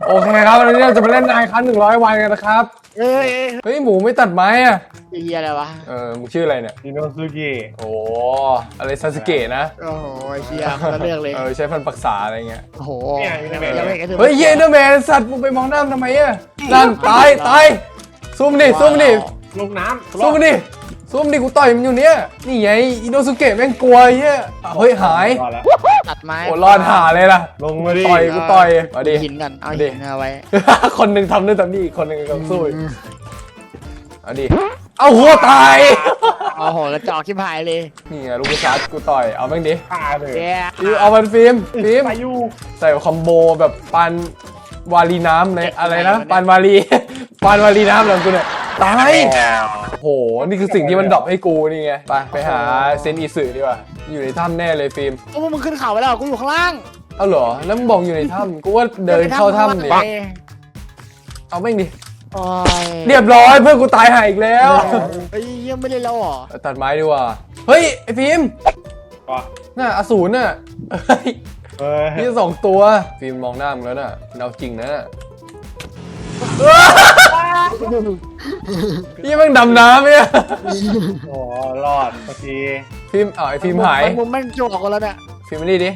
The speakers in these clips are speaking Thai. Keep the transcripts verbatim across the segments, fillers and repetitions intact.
โอเคครับวันนี้เราจะมาเล่นนายคันหนึ่งร้อยวันกันนะครับเฮ้ยเฮ้ยหมูไม่ตัดไม้อ่ะเฮียอะไรวะเออมึงชื่ออะไรเนี่ยอิโนซุกิโอ้อะไรซาสึเกะนะโอ้โหเฮียมันเลือกเลยเออใช้ฟันปรักษาอะไรเงี้ยโอ้โหเฮ้ยเยนเดอร์แมนสัตว์มึงไปมองหน้าทำไมอ่ะนั่นตายตายซูมดิซูมดิลงน้ำซูมดิซูมดิกูต่อยมันอยู่เนี้ยนี่ไงอิโนสุเกะแม่งกลัวเฮียเฮ้ยหายตัดไม้โอ้รอดหาเลยล่ะลงมาดิต่อยกูต่อยมาดิหินกันเอาหินเอาไว้คนหนึ่งทำด้วยตอนนี้คนหนึ่งกำลังสู้เอาดิเอาหัวตายโอ้โหกระจอกชิบหายเลยนี่ไงลูกกระชัดกูต่อยเอาแม่งดิฆ่าเลยเอามันฟิล์มฟิล์มใส่คอมโบแบบปันวาลีน้ำในอะไรนะปันวาลีปันวาลีน้ำหลังกูเนี่ยตายโหนี่คือสิ่งที่มันดรอปให้กูนี่ไงไปไปหาเซนอิสึดีกว่าอยู่ในถ้ำแน่เลยฟิล์มโอ้มึงขึ้นเขาไปแล้วกูอยู่ข้างล่างเอาเหรอแล้วมึงบอกอยู่ในถ้ำกูว่าเดินเข้าถ้ำดิเอาไม่ดิเรียบร้อยเพื่อนกูตายหายอีกแล้วไอ้ยังไม่ได้แล้วหรอตัดไม้ดีกว่าเฮ้ยไอ้ฟิล์มน่ะอสูรน่ะนี่สองตัวฟิล์มมองหน้ามึงแล้วน่ะเอาจริงนะนี่มันดำน้ำเนี่ยโอ้รอดเมื่อกี้ฟิล์มอ๋อไอฟิล์มหายมุมมันจวกกันแล้วเนี่ยฟิล์มมาดิดิ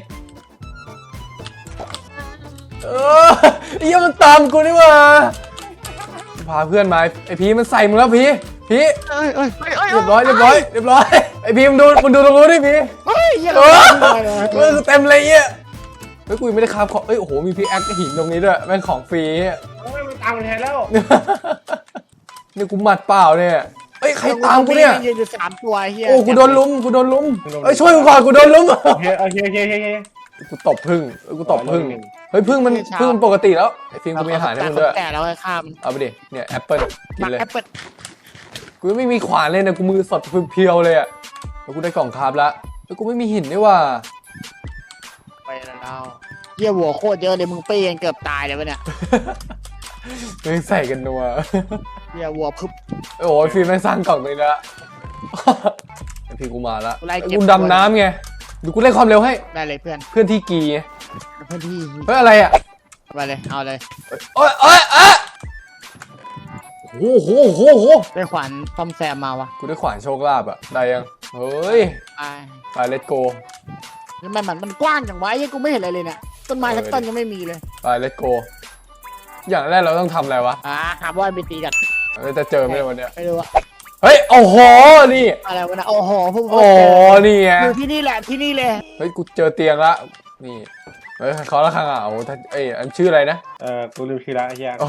เออไอ้ยังมันตามกูนี่มาพาเพื่อนมาไอพีมันใส่มึงแล้วพีพีเรียบร้อยเรียบร้อยเรียบร้อยไอพีมันดูมันดูตรงนู้นดิพีเฮ้ยยังมันเต็มเลยเนี่ยเฮ้ยกูไม่ได้คราฟของเอ้ยโอ้โหมีพีแอคหินตรงนี้ด้วยแม่งของฟรีโอ้ยมันตามมันแทนแล้วนี่กูหมัดเปล่าเนี่ยเอ้ยใครตามกูเนี่ยยืนอยู่สามตัวเฮียโอ้กูโดนลุมกูโดนลุมเอ้ยช่วยกูก่อนกูโดนลุมโอเคโอเคโอเคโอเคกูตบพึ่งกูตบพึ่งเฮ้ยพึ่งมันพึ่งมันปกติแล้วไอ้ฟิล์มกูมีอาหารให้มึงด้วยแต่เราให้ข้ามเอาไปดิเนี่ยแอปเปิ้ลกินเลยแอปเปิ้ลกูไม่มีขวานเลยนะกูมือสดเพียวเลยอ่ะแล้วกูได้กล่องคาร์บแล้วแล้วกูไม่มีหินด้วยว่ะไปแล้วเยี่ยวัวโคตรเยอะเลยมึงเปี้ยงเกือบตายเลยวะเนี่ยมึงใส่กันนัวเยี่ยวัวพึบโอ้ยฟิล์มไม่สร้างกล่องเลยนะไอพี่กูมาแล้วกูดำน้ำไงดูกูเล่นความเร็วให้ได้เลยเพื่อนเพื่อนที่กีเพื่อนที่เฮ้ยอะไรอ่ะไปเลยเอาเลยโอ้ยโอ้ยอ่ะโอ้โหโอ้โหโอ้โหได้ขวานซ่อมแซมมาวะกูได้ขวานโชคลาภอ่ะได้ยังเฮ้ยไปไปเลตโกแล้วมันมันกว้างจังวะยังกูไม่เห็นอะไรเลยเนี่ยต้นไม้ทั้งต้นยังไม่มีเลยไปเลตโกอย่างแรกเราต้องทำอะไรวะอ่าหาว่าไปตีกันเราจะเจอไหมวันเนี้ยไม่รู้อะเฮ้ยโอ้โหนี่อะไรวะนะโอ้โหพวกโอ้นี่ไงอยู่ที่นี่แหละที่นี่เลยเฮ้ยกูเจอเตียงละนี่เฮ้ยเขาละครั้งอ่ะโอ้เอ้ยอันชื่ออะไรนะเออกูลืมชื่อละไอ้เหี้ย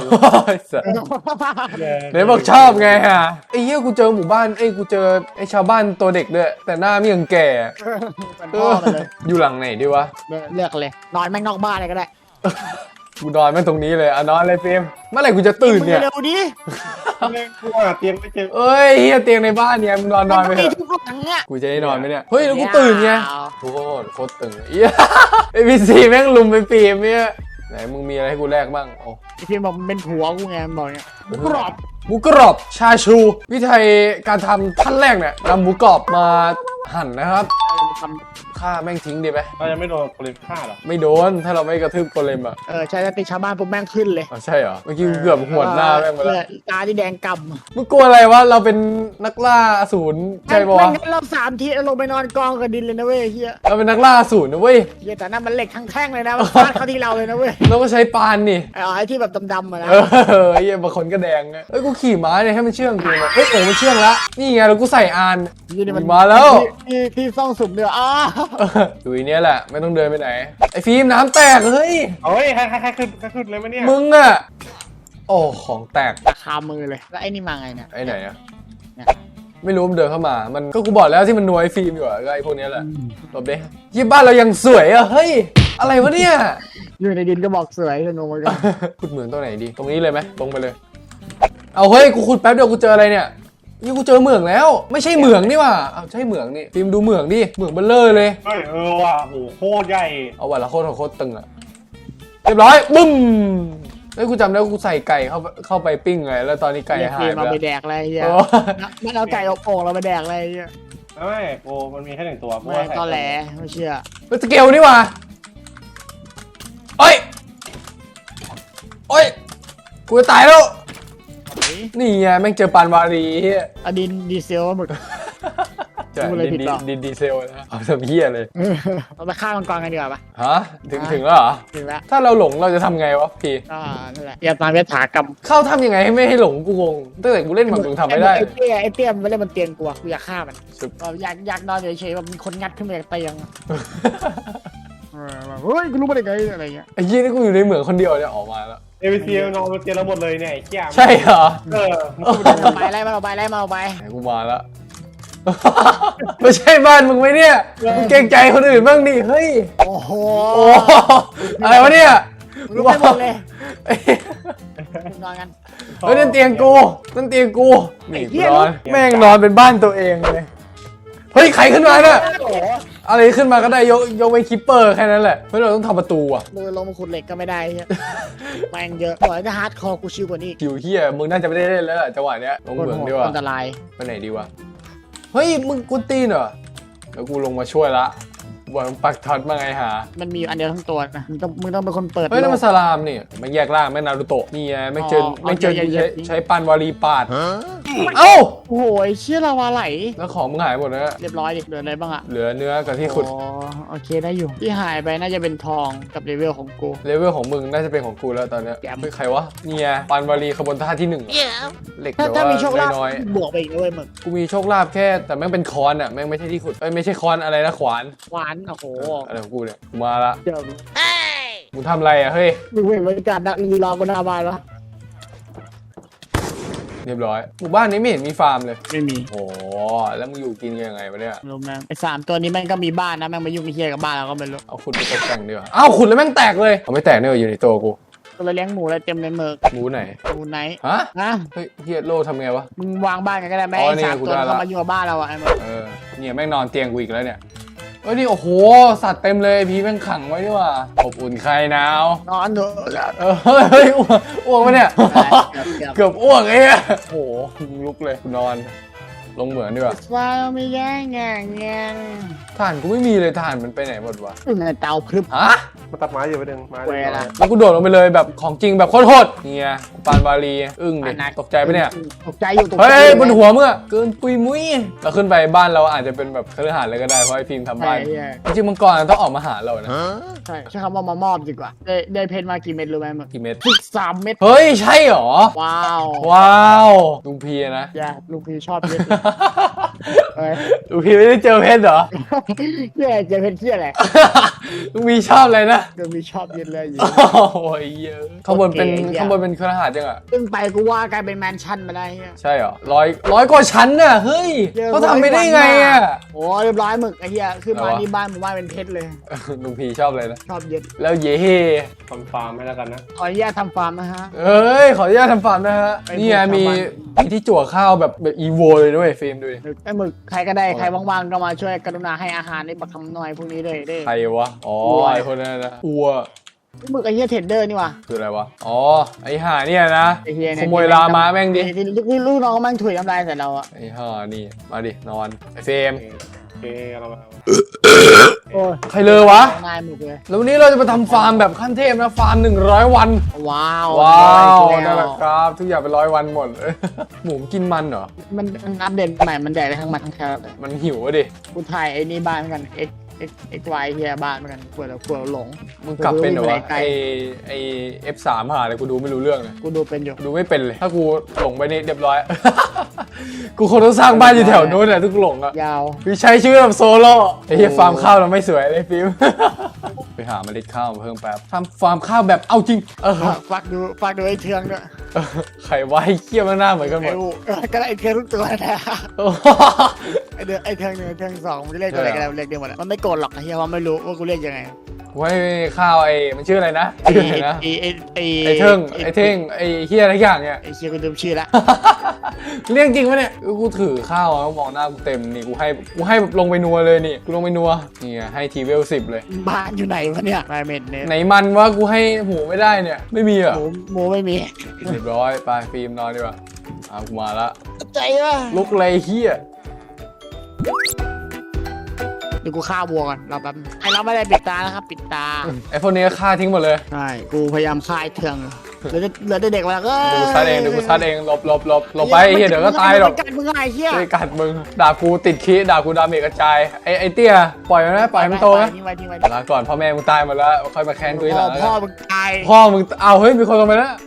เดี๋ยวบอกชอบไงฮะไอ้เหี้ยกูเจอหมู่บ้านไอ้กูเจอไอ้ชาวบ้านตัวเด็กด้วยแต่หน้าไม่ยังแก่อยู่หลังไหนดีวะเลือกเลยนอนแม่งนอกบ้านเลยก็ได้กูนอนแม่งตรงนี้เลยอ่ะนอนเลยฟิล์มเมื่อไหร่กูจะตื่นเนี่ยเร็วดิกูหาเตียงไม่เจอเอ้ยเฮียเตียงในบ้านเนี่ยมึงนอนนอนไปเถอะกูจะได้นอนไหมเนี่ยเฮ้ยแล้วกูตื่นไงโคตรโคตรตึงเอี้ยไอพีซีแม่งลุมไปฟิล์มเนี่ยไหนมึงมีอะไรให้กูแลกบ้างโอ้ฟิล์มบอกมันเป็นผัวกูไงมันบอกเนี่ยหมูกรอบหมูกรอบชาชูวิธีการทำขั้นแรกเนี่ยนำหมูกรอบมาหั่นนะครับฆ่าแม่งทิ้งดีไหมเราจะไม่โดนโกเลมฆ่าหรอไม่โดนถ้าเราไม่กระทืบโกเลมอ่ะเออใช่แล้วตีชาวบ้านปุ๊บแม่งขึ้นเลยอ๋อใช่เหรอเมื่อกี้เกือบหวดหน้าแม่งมาแล้วตาที่แดงกำมึงกลัวอะไรวะเราเป็นนักล่าอสูรใช่ปะวะเราสามทีลงไปนอนกองกับดินเลยนะเว้ยเฮียเราเป็นนักล่าอสูรนะเว้ยเฮียแต่นั่นมันเหล็กทั้งแท่งเลยนะมันฟาดเข้าที่เราเลยนะเว้ยเราก็ใช้ปานนี่อ๋อไอ้ที่แบบดำๆมานะเออเฮียบางคนก็แดงเอ้ยกูขี่ม้าเนี่ยให้มันเชื่องกูเฮ้ยโอ้มันเชื่องละนี่ไงเรากูใส่อานมาแล้วที่ที่ซ่องสุ่มเดืออ้าดูอีเนี้ยแหละไม่ต้องเดินไปไหนไอ้ฟิล์มน้ำแตกเฮ้ยเฮ้ยใครใครใครขึ้นใครขึ้นเลยมั้ยเนี่ยมึงอะโอ้ของแตกคามือเลยแล้วไอ้นี่มาไงเนี่ยไอ้ไหนอะไม่รู้มันเดินเข้ามามันก็กูบอกแล้วที่มันนัวไอ้ฟิล์มอยู่อะก็ไอ้พวกนี้แหละหลบดิยี่บ้านเรายังสวยอะเฮ้ยอะไรวะเนี่ยอยู่ในดินก็บอกสวยจะงงเหมือนกันขุดเหมืองตรงไหนดีตรงนี้เลยไหมตรงไปเลยเอาเฮ้ยกูขุดแป๊บเดียวกูเจออะไรเนี่ยนี่กูเจอเหมืองแล้วไม่ใช่เหมืองนี่ว่ะเอาใช่เหมืองนี่ฟิล์มดูเหมืองดิเหมืองเบลเลอร์เลยเออว่ะโหโคตรใหญ่เอาว่ะละโคตรโคตรตึงอะเรียบร้อยบึ้มเฮ้ยกูจำได้กูใส่ไก่เข้าเข้าไปปิ้งไงแล้วตอนนี้ไก่หายไปแล้วเราไปแดกอะไรเงี้ยมันเอาไก่อบโอ่งเราไปแดกอะไรเงี้ยไม่โอ้มันมีแค่หนึ่งตัวไม่ตอแหลไม่เชื่อเป็นสเกลนี่ว่ะเอ้ยโอ๊ยกูจะตายแล้วเฮ้ยนี่ไงแม่งเจอปานวารีเฮียอดินดีเซลหมึกใช่พูดอะไรดิผินดดีเปล่าดินดีเซลนะเอาทำเฮียเลยเราไปฆ่ามังกรกันดีกว่าปะฮะถึงถึงแล้วเหรอถึงแล้วถ้าเราหลงเราจะทำไงวะพี่ก็นั่นแหละอย่าตามยถากรรมเข้าทำยังไงให้ไม่ให้หลงกูงงตั้งแต่กูเล่นมากูทำไม่ได้ไอ้เตี้ยไอ้เตี้ยมันไม่เล่นมันเตียงกูอะกูอยากฆ่ามันสุดแบบอยากอยากนอนเฉยๆแบบมีคนงัดขึ้นมาจากเตียงอะเออแบบเฮ้ยกูรู้มาได้ไงอะไรเงี้ยไอ้ยี่นี่กูอยู่ในเหมืองคนเดียวเนี่ยออกมาแล้วเอวีซีนอนบนเตียงเราหมดเลยเนี่ยไอ้เหี้ยใช่เหรอเออเอาไปไล่มาเอาไปไล่มาเอาไปไหนกูมาแล้ว ไม่ใช่บ้านมึงไหมเนี่ยมึงเกรงใจคนอื่นบ้างดิเฮ้ยโอ้โหโอ้อะไรวะเนี่ยรู้ไปหมดเลยนอนกันเฮ้ยนั่นเตียงกูนั่นเตียงกูไอ้นี่เหี้กูยนอนแม่งนอนเป็นบ้านตัวเองเลยเฮ้ยใครขึ้นมาเนี่ยโอ้โหอะไรขึ้นมาก็ได้ยกยกเว้นคิปเปอร์แค่นั้นแหละเฮ้ยเราต้องทำประตูอ่ะมือลงมาขุดเหล็กก็ไม่ได้เหี้ยแม่งเยอะบอกให้จะฮาร์ดคอร์กูชิวกว่านี้อีกคิวเฮียมึงน่าจะไม่ได้เล่นแล้วล่ะจังหวะเนี้ยลงเหมืองดีกว่าอันตรายไปไหนดีวะเฮ้ยมึงกูตีนเหรอเดี๋ยวกูลงมาช่วยละบอกมึงปักท็อตมาไงหามันมีอยู่อันเดียวทั้งตัวนะมึงต้องมึงต้องเป็นคนเปิดเฮ้ยนั่นมันโลกสลามนี่ไม่แยกล่างไม่นารูโตะนี่ไงไม่เจออ๋อไม่เจอเอาเยใช้อะๆใช้ปันวารีปาดเอ้าโอ้โหไอ้เชี่ยลาวาไหลแล้วของมึงหายหมดแล้วเรียบร้อยดิเหลืออะไรบ้างอะเหลือเนื้อกับที่ขุดอ๋อโอเคได้อยู่ที่หายไปน่าจะเป็นทองกับเลเวลของกูเลเวลของมึงน่าจะเป็นของกูแล้วตอนเนี้ยแกมเฮ้ยใครวะเนี่ยปันวารีขบวนท่าที่หนึ่งเหล็กถ้าแต่ถ้าว่ามีโชคลาภน้อยบวกไปอีกนะเว้ยมึงๆกูมีโชคลาภแค่แต่แม่งเป็นคอนอ่ะแม่งไม่ใช่ที่ขุดเอ้ยไม่ใช่คอนอะไรนะขวานหวานโอ้โหอะไรของกูเนี่ยกูมาละเดี๋ยวมึงทำอะไรอ่ะเฮ้ยมึงเห็นบรรยากาศดักลีรอบนหน้าบ้านแล้วเรียบร้อยหมู่บ้านนี้ไม่เห็นมีฟาร์มเลยไม่มีโอ้แล้วมึงอยู่กินกันยังไงวะเนี่ยรู้ไหมไอ้สามตัวนี้แม่งก็มีบ้านนะแม่งมายุ่งกับเฮียกับบ้านเราก็ไม่รู้เอาขุดไปตกแต่งดีกว่าอ้าวขุดแล้วแม่งแตกเลยเอาไม่แตกเนี่ยอยู่ในตัวกูก็เลยเลี้ยงหมูอะไรเต็มเลยเมือกหมูไหนหมูไหนฮะนะเฮ้ยเฮียโลทำไงวะมึงวางบ้านกันก็ได้ไหมอ๋อไอ้นี่สามกูตัวได้ละเขามายุ่งกับบ้านเราอะไอ้มึงเออเนี่ยแม่งนอนเตียงกูอีกแล้วเนี่ยเอ้ยนี่โอ้โหสัตว์เต็มเลยพีแม่งขังไว้ดีกว่าอบอุ่นคลายหนาวนอนเถอะเออเฮ้ยเฮ้ยอ้วกอ้วกปะเนี่ยเกือบเกือบอ้วกไอ้เหี้ยโอ้โหลุกเลยกูนอนลงเหมือนดีกว่าว้าวไม่แย่งแง่งแง่งถ่านกูไม่มีเลยถ่านมันไปไหนหมดวะอึ่งในเตาพรึบฮะมาตัดไม้อยู่ไปดึงไม้เวลาแล้วกูโดดลงไปเลยแบบของจริงแบบโคตรๆเนี่ยปานบาลีอึ้งดิตกใจปะเนี่ยตกใจอยู่ตกเฮ้ใจยอยู่บนหัวมึงอะเกินปุยมุ้ยเราขึ้นไปบ้านเราอาจจะเป็นแบบคฤหาสน์เลยก็ได้เพราะไอ้พิมพ์ทำใช่บ้านใช่จริงๆมังกรต้องออกมาหาเรานะใช่ใช้คำว่ามามอบดีกว่าได้ได้เพนมากี่เม็ดรู้ไหมมึงกี่เม็ดสิบสามเม็ดเฮ้ยใช่เหรอว้าวว้าวลุงพีนะอย่าลูกพี่ชอบเพชรเอ้ยลุงพีไม่ได้เจอเพชรเหรอเฮียเจอเพชรเฮียอะไรลุงพีชอบอะไรนะลูกพี่ชอบเพชรเลยอยู่โอ้ยเยอะข้างบนเป็นโอเคข้างบนเป็นคฤหาสน์จังอะซึ่งไปกูว่ากลายเป็นแมนชั่นมาได้เฮียใช่เหรอร้อยร้อยกว่าชั้นน่ะเฮ้ยเยอะเขาทำไปได้ไงอะโอ้เรียบร้อยหมึกไอ้เหี้ยขึ้นมาอะไรวะที่บ้านหมู่บ้านเป็นเพชรเลยลุงพีชอบเลยนะชอบเย็ดแล้วเย่ทำฟาร์มให้แล้วกันนะขออนุญาตทำฟาร์มนะฮะเอ้ยขออนุญาตทำฟาร์มนะฮะไปนี่ไงบุกชาวมีบ้านมีที่จั่วข้าวแบบแบบอีโวเลยด้วยฟิล์มดูดิไอ้หมึกใครก็ได้ใครว่างๆก็มาช่วยกรุณาให้อาหารในบักคำน้อยพวกนี้เลยเด้ใครวะอ๋ออัวไอคนนั้นนะอัวไอ้หมึกไอ้เหี้ยเทรดเดอร์นี่ว่ะคืออะไรวะอ๋อไอห่าเนี่ยนะไอ้เหี้ยขเนี่ยโมยลามาแม่งดิที่ลูกพี่ลูกน้องแม่งถุยน้ำลายใส่เราอะไอห่านี่มาดินอนไอเฟรมโอเคเรามาโอ้ยใครเลยวะนายหมึกเลยแล้ววันนี้เราจะมาทำฟาร์มแบบขั้นเทพนะฟาร์มหนึ่งร้อยวันว้าวว้าวได้นั่นแหแล้ละวครับทุกอย่างเป็นร้อยวันหมด หมูกินมันเหรอมันมันอัปเดตใหม่มันแดกได้ทั้งมันทั้งแครอทเลยมันหิวอะดิกูถ่ายไอ้นี่บ้านเหมือนกัน X X X Y เฮียบ้านเหมือนกันกลัวเรากลัวเราหลงมึงกลับเป็นเหรอวะไกลไอไอเอฟสามหาเลยกูดูไม่รู้เรื่องเลยกูดูเป็นอยู่ดูไม่เป็นเลย ถ้ากูหลงไปนี่เรียบร้อย กูคงต้องสร้างบ้านอยู่แถวนู้นแหละทุกหลงอ่ะยาวพี่ใช้ชื่อแบบโซโล่ไอ้เหี้ยฟาร์มข้าวเราไม่สวยเลยฟิล์ม ไปหาเมล็ดข้าวมาเพิ่มแป๊บทำฟาร์มข้าวแบบเอาจริง เออฝากดูฝากดูไอ้เทืองด้วยเออใครว่าให้เคี้ยวมันหน้าเหมือนกันหมไอ้ดอูเออก็ได้ไอ้เทืองทุกตัวนะโอ้ไอ้เดือไอ้เทืองหนึ่งไอ้เทืองสองมันจะเรียกตัวอะไรใช่กันเหรอเรียกเดียวหมดอะมันไม่โกรธหรอกไอ้เฮียว่าไม่รู้ว่ากูเรียกยังไงกูให้ข้าวไอ้มันชื่ออะไรนะไอ้ชื่ออะไรนะไอ้ไอ้ไอ้ไอ้เทิงไอ้เท่งไอ้เฮียอะไรอย่างเนี่ยไอ้เชียกูลืมชื่อละเรื่องจริงปะเนี่ยกูถือข้าวอะมองหน้ากูเต็มนี่กูให้กูให้แบบลงไปนัวเลยนี่กูลงไปนัวนี่ไงให้ทีเวลสิบเลยบ้านอยู่ไหนวะเนี่ยไมเมนเนี่ยไหนมันว่ากูให้หมูไม่ได้เนี่ยไม่มีเหรอ่ะหมูหมูไม่มีเรียบร้อยไปฟิล์มนอนดีกว่าเอากูมาละใจว่ะลุกเลยเฮียเดี๋ยวกูฆ่าวัวก่อนเราแป๊บไอ้เราไม่ได้ปิดตานะครับปิดตาไอพวกนี้ก็ฆ่าทิ้งหมดเลยใช่กูพยายามฆ่าไอ้เทืองเหลือเหลือเด็กๆมาก็เดี๋ยวกูซัดเองเดี๋ยวกูซัดเองหลบหลบหลบหลบไปเฮียเดี๋ยวก็ตายหรอกมึงไงเฮียไม่กัดมึงด่ากูติดขี้ด่ากูดาเมจกระจายไอ้ไอ้เตี้ยปล่อยมันนะปล่อยมันโตนะทิ้งไว้ทิ้งไว้ลาก่อนพ่อแม่มึงตายหมดแล้วค่อยมาแค้นกูทีหลังแล้วพ่กัอน มึงตายพ่อมึงเอาเฮ้ยมีคนลงไปแล้ว